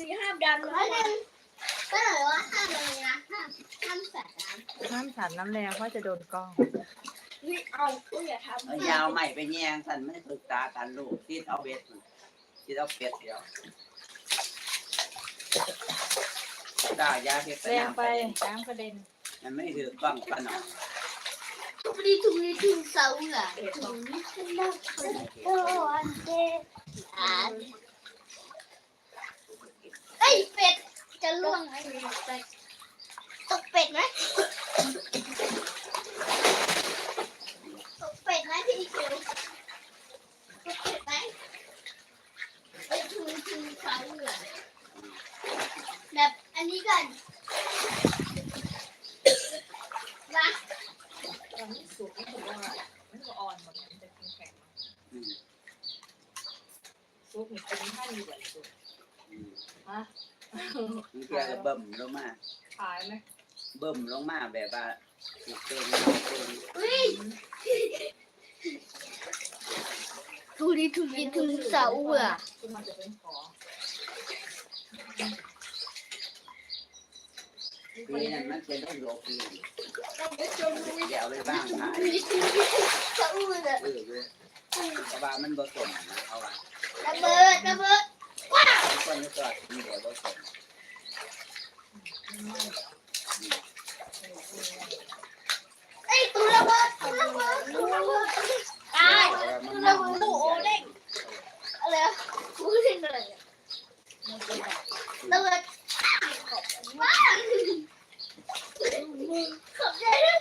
ซีห้ามดันนะก็เลยว่าห้ามเลยนะห้ามใส่น้ำห้ามสาดน้ำแรงเพราะจะโดนกล้องนี่เอาอย่าทำเอายาวใหม่ไปแยงสันไม่ถึกตากันลูกที่เอาเบ็ดที่เอาเป็ดเดียวตายาเห็ดแรงไปน้ำกระเด็นมันไม่ถือกล้องปะหนอทุกทีเสาเหรอถุงฉันได้คนเดียวอันเดียวเอ้ยเป็ดจะล่วงไหมตกเป็ดไหมตกเป็ดไหมพี่เขียวตกเป็ดไหมไอ้ถุงเสาเหรอแบบอันนี้ก่อนมาตอนนี้สูงไม่ถูกว่ามันก็อ่อนหมดมันจะแข็งซุปมีเป็นท่านอยู่แบบสุดฮะมันเกี่ยวกับเบิ่มลงมาขายไหมเบิ่มลงมาแบบว่าถูกเกงเกงอุ้ยทุกเสาเหรอคือมันจะเป็นขอปีนั้นมันเป็นโรคปีเดี๋ยวไปบ้างขายเสาเหรอแต่ว่ามันบ่สมนะเอาว่าระเบิดว้าวทุกคนก็จอดมีเดี๋ยวบ่สมไอ้ตัวระเบิดตายมันระเบิดโอ้เด้งอะไรกูเด้งอะไรระเบิดว้าวขอบใจด้วย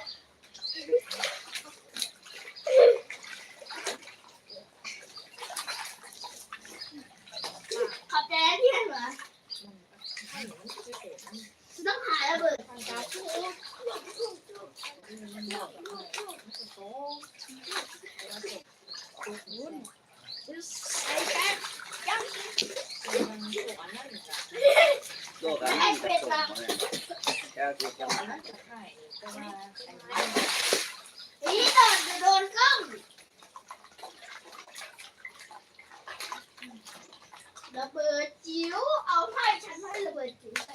ขอบใจที่ให้เหรอต้องหาระเบิดไอ้แป๊บยังโลกอันนี้ก็สมเลยเจ้าที่จะมานี่โดนกล้องระเบิดจิ๋วเอาไพ่ฉันให้ระเบิดจิ๋วไป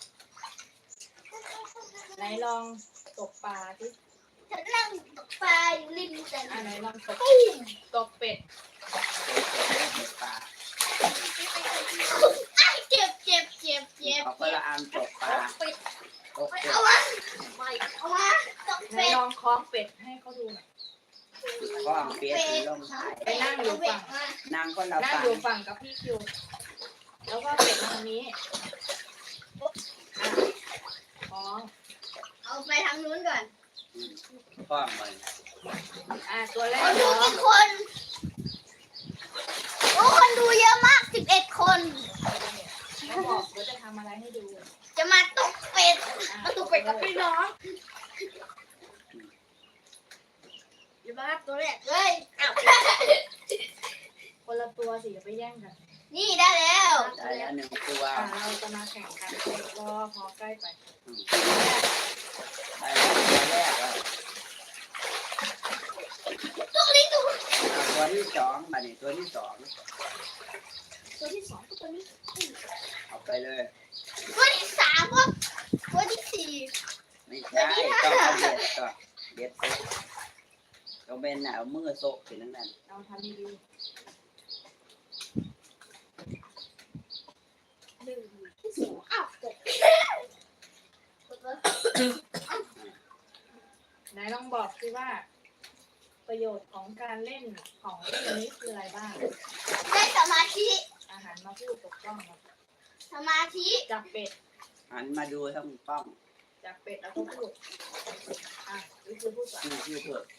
ไหนลองตกปลาที่ฉันนั่งตกปลาอยู่ริมแต่ไหนลองตกเป็ดปลาเจ็บเอาไปละอันตกปลาตกเป็ดเอาวะเอาวะตกไหนเป็ดลองคล้องเป็ดให้เขาดูหน่อยก้องเป็ดลงไปนั่งอยู่ฝั่งนางคนละนั่งฝั่งอยู่ฝั่งกับพี่คิว แล้วก็เป็ดทางนี้คล้องเอาไปทางนู้นก่อนก้องมันตัวแรกเอาดูคล้องกี่คนโอ้คนดูเยอะมาก11 คนเขาบอกว่าจะทำอะไรให้ดูจะมาตกเป็ดมาตุกเป็ดกับพี่น้องอย่ามาตัวแรกเฮ้ยคนละตัวสิอย่าไปแย่งกันนี่ได้แล้วได้แล้วหนึ่งตัวเราจะมาแข่งกันรอพอใกล้ไปได้แล้วตัวแรกแล้วตัวนี้ตัวตัวที่สองมานี่ตัวที่สองตัวที่สองตัวนี้เอาไปเลยตัวที่3วะตัวที่4 ไม่ใช่ต้องเอาเบ็ดก่อนเบ็ดไปต้องเป็นเอามือโซกถึงนั้นเราทำดีหนึ่งที่สองอ้าวตกไหนลองบอกสิว่า ประโยชน์ของการเล่นของเล่นนี้คืออะไรบ้างได้สมาธิอาหารมาพูดตกต้องครับสมาธิจับเป็ดหันมาดูทั้งป้องจับเป็ดแล้วก็พูดนี่คือพูดก่อนชื่อเถอะ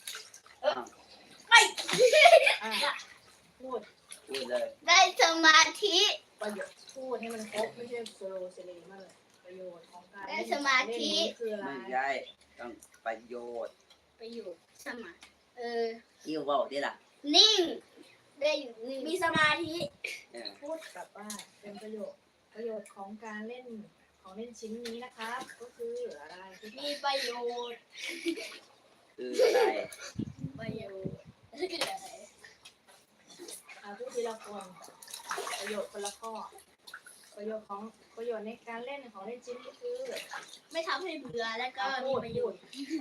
พูดพูดเลยได้สมาธิประโยชน์พูดให้มันครบไม่ใช่โซโลเซเลมากเลยประโยชน์ของการได้สมาธิคืออะไรไม่ใช่ต้องประโยชน์ประโยชน์สมาคิวบอกดิล่ะนิ่ง ได้อยู่นิ่งมีสมาธิพูดแบบว่าเป็นประโยชน์ของการเล่นของเล่นชิ้นนี้นะครับ ก็คืออะไรมีประโยชน์คืออะไรประโยชน์พูดทีละคนประโยชน์คนละข้อประโยชน์ของประโยชน์ในการเล่นของเล่นชิ้นนี้คือไม่ทำให้เบื่อแล้วก็พูมีดประโยพูดชน์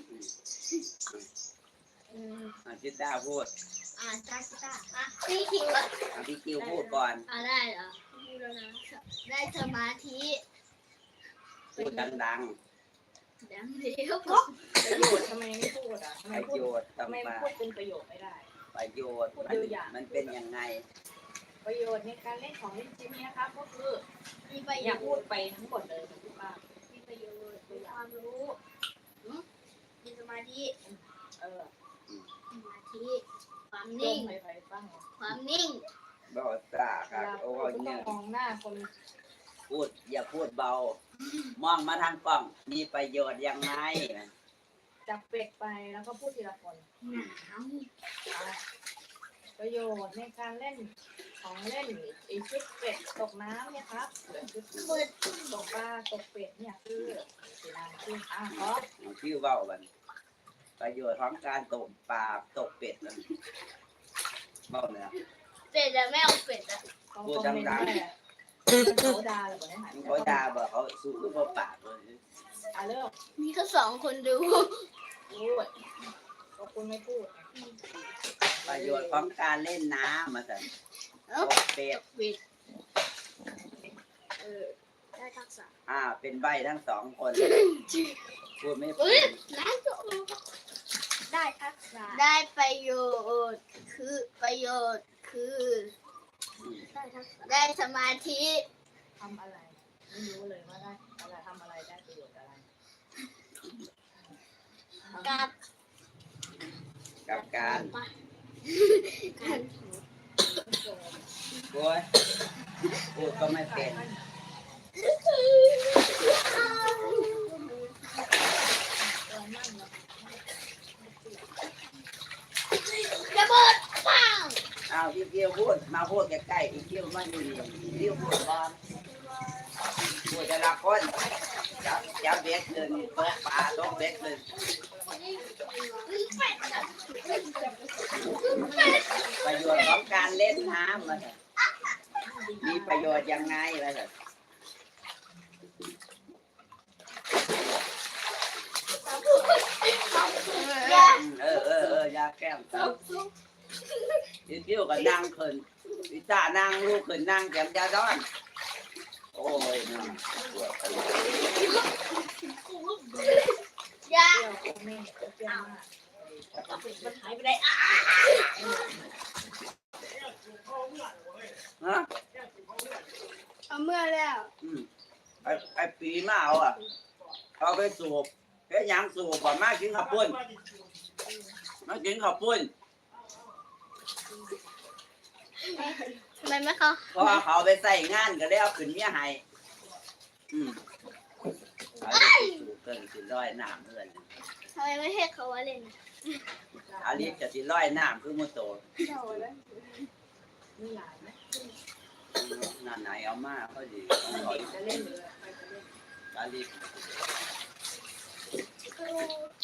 อืมจิตตาพูดจ้าอ่ะพี่คิวอ่ะพี่คิวพูดก่อนได้เหรอพูดแล้วนะได้สมาธิพูดดังดังเดียวประโยชน์ทำไมไม่พูดอ่ะทำๆไมประพูดโยชน์ทำไมต่างพูดเป็นประโยชน์ไม่ได้ๆประโยชน์มันเป็นยังไงประโยชน์ในการเล่นของเล่นชิ้นนี้นะครับ ก็คือมีประอโยย่าชน์พูดไปทั้งหมดเลยนะพี่ป้ามีประโยชน์มีความรู้มีสมาธิเออสมาธิความลนิ่งงไปบ้างความนิ่งบอกตาเวครับลาโอ้พูดยก็ต้เนี่อย งมองหน้าคนพูดอย่าพูดเบา มองมาทางกล้อง มีประโยชน์ยังไงจับเป็ดไปแล้วก็พูดทีละคนหนาวประโยชน์ในการเล่นของเล่นไอชุดเป็ดตกน้ำเนี่ยครับชุดมืดตกปลาตกเป็ดเนี่ยคือสีน้ำคือครับชื่อเบาบันประโยชน์ของการตกปลาตกเป็ดนั่นเบาเนี่ยเป็ดอะไม่เอาเป็ดอะเขาคอมเมนต์ว่าเขาด่าหรือเปล่าเนี่ยเขาด่าบอกเขาสู้เขาปากเลยเริ่มมีแค่สองคนดูพูดก็คุณไม่พูดประโยชน์ของการเล่นน้ำมาสั่นตกเป็ดเป็ดได้ทักษะเป็นใบทั้งสองคน พูดไม่เป็เฮ้ยนน้ำจะได้ทักษะได้ประโยชน์คือประโยชน์คือได้ทักษะได้สมาธิทำอะไรไม่รู้เลยว่าได้อะไรทำอะไรได้ประโยชน์อะไรกับกับการการโอ้ยพูดก็ไม่เป็นระเบิดปังพี่เกียวพูดมาพูดใกล้ๆพี่เกียวมาอยู่นี่พี่เกียวพูดก่อนพูดแต่ละคนจับเบ็ดเลยตกปลาตกเบ็ดเลยประโยชน์ของการเล่นน้ำมาสั่นมีประโยชน์ยังไงมาสั่น ยาแก้มครับพี่เกียวก็นั่งขึ้นพี่ตานั่งลูกขึ้นนั่งแก้มยาด้อนโอ้ยน่าปวดไปยาเปรี้ยวแม่เปรี้ยวมากมันหายไปไหนอ่ะฮะเอาเมื่อแล้วไอ้ปีมาเอาไปสูบแค่ยังสูบบ่มากินข้าวปุ้นมากินข้าวปุ้นทำไมไม่เขาเพราะว่าเขาไปใส่งานก็เลยเอาขึ้นเมียให้เอาไปสูบเกินสิร้อยน้ำเพื่อนทำไมไม่ให้เขาว่าเล่นอาลีจะสิร้อยน้ำคือมุโตเจ้าแล้วมีหลายไหมนั่นไหนเอามาเขาดีจะเล่นหรือไปจะเล่นอาลีคือ